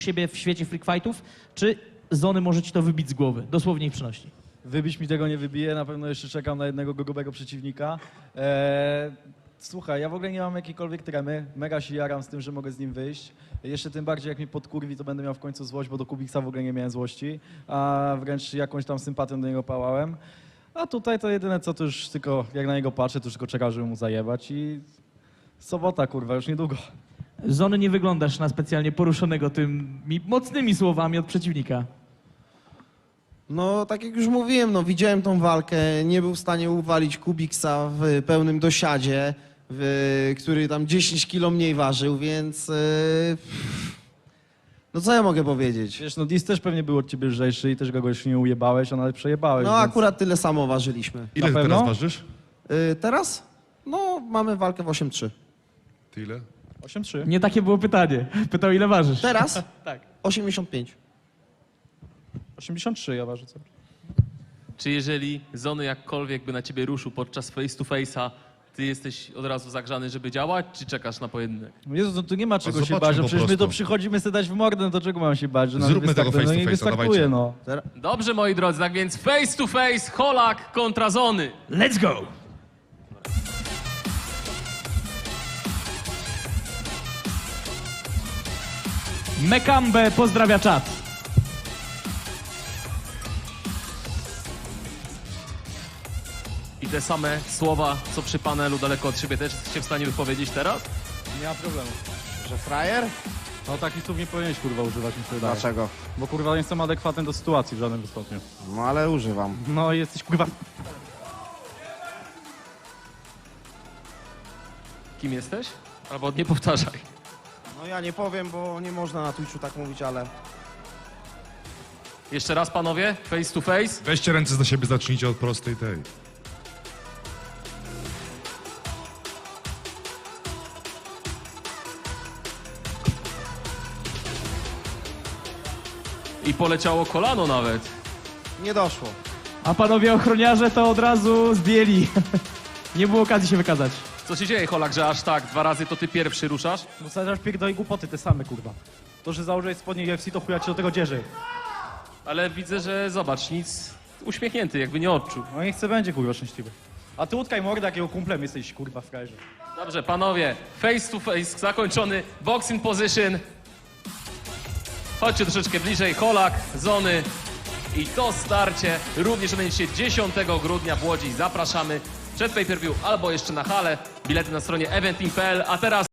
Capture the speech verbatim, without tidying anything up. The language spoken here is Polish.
siebie w świecie freak fightów, czy Zony może ci to wybić z głowy, dosłownie i przenośni? Wybić mi tego nie wybije, na pewno jeszcze czekam na jednego grubego przeciwnika. Eee, słuchaj, ja w ogóle nie mam jakiejkolwiek tremy, mega się jaram z tym, że mogę z nim wyjść. Jeszcze tym bardziej jak mnie podkurwi, to będę miał w końcu złość, bo do Kubiksa w ogóle nie miałem złości, a wręcz jakąś tam sympatią do niego pałałem. A tutaj to jedyne co, to już tylko jak na niego patrzę, to już tylko czekam, żeby mu zajebać i sobota, kurwa, już niedługo. Zony, nie wyglądasz na specjalnie poruszonego tymi mocnymi słowami od przeciwnika. No, tak jak już mówiłem, no, widziałem tą walkę, nie był w stanie uwalić Kubiksa w pełnym dosiadzie, w, który tam dziesięć kilo mniej ważył, więc... Yy, no co ja mogę powiedzieć? Wiesz, no Dis też pewnie był od ciebie lżejszy i też go już nie ujebałeś, a nawet przejebałeś. No więc... akurat tyle samo ważyliśmy. Ile Na ty pewno? teraz ważysz? Yy, teraz? No, mamy walkę w osiem trzy. Ty ile? osiem trzy. Nie takie było pytanie. Pytał, ile ważysz. Teraz? Tak. osiemdziesiąt pięć. osiemdziesiąt trzy ja ważę. Co? Czy jeżeli Zony jakkolwiek by na ciebie ruszył podczas face to face'a, ty jesteś od razu zagrzany, żeby działać, czy czekasz na pojedynek? No Jezu, no tu nie ma czego się zobaczmy bać, no po przecież my prostu. to przychodzimy sobie dać w mordę, no to czego mam się bać, że nam Zróbmy nie tego wystartuje? face No to nie face'a, wystartuje, dawajcie. no. Dobrze, moi drodzy, tak więc face to face, Holak kontra Zony. Let's go! Mekambe pozdrawia czat. I te same słowa, co przy panelu daleko od siebie, też jesteście w stanie wypowiedzieć teraz? Nie ma problemu. Że frajer? No takich słów nie powinieneś kurwa używać, mi się wydaje. Dlaczego? Bo kurwa nie jestem adekwatny do sytuacji w żadnym stopniu. No ale używam. No i jesteś kurwa... Kim jesteś? Albo nie powtarzaj. No ja nie powiem, bo nie można na Twitchu tak mówić, ale... Jeszcze raz, panowie, face to face. Weźcie ręce za siebie, zacznijcie od prostej tej. I poleciało kolano nawet. Nie doszło. A panowie ochroniarze to od razu zdjęli. Nie było okazji się wykazać. Co się dzieje, Holak, że aż tak dwa razy to ty pierwszy ruszasz? No zaraz pierdolę głupoty te same kurwa. To, że założyłeś spodnie U F C, to chuja ci do tego dzierzy. Ale widzę, że zobacz, nic, uśmiechnięty, jakby nie odczuł. No niech chce będzie kurwa szczęśliwy. A ty utkaj mordę, jakiego kumplem jesteś kurwa w frajerze. Dobrze, panowie, face to face zakończony, boxing position. Chodźcie troszeczkę bliżej, Holak, Zony. I to starcie również odbędzie się dziesiątego grudnia w Łodzi. Zapraszamy przed pay-per-view albo jeszcze na halę. Bilety na stronie eventing kropka p l, a teraz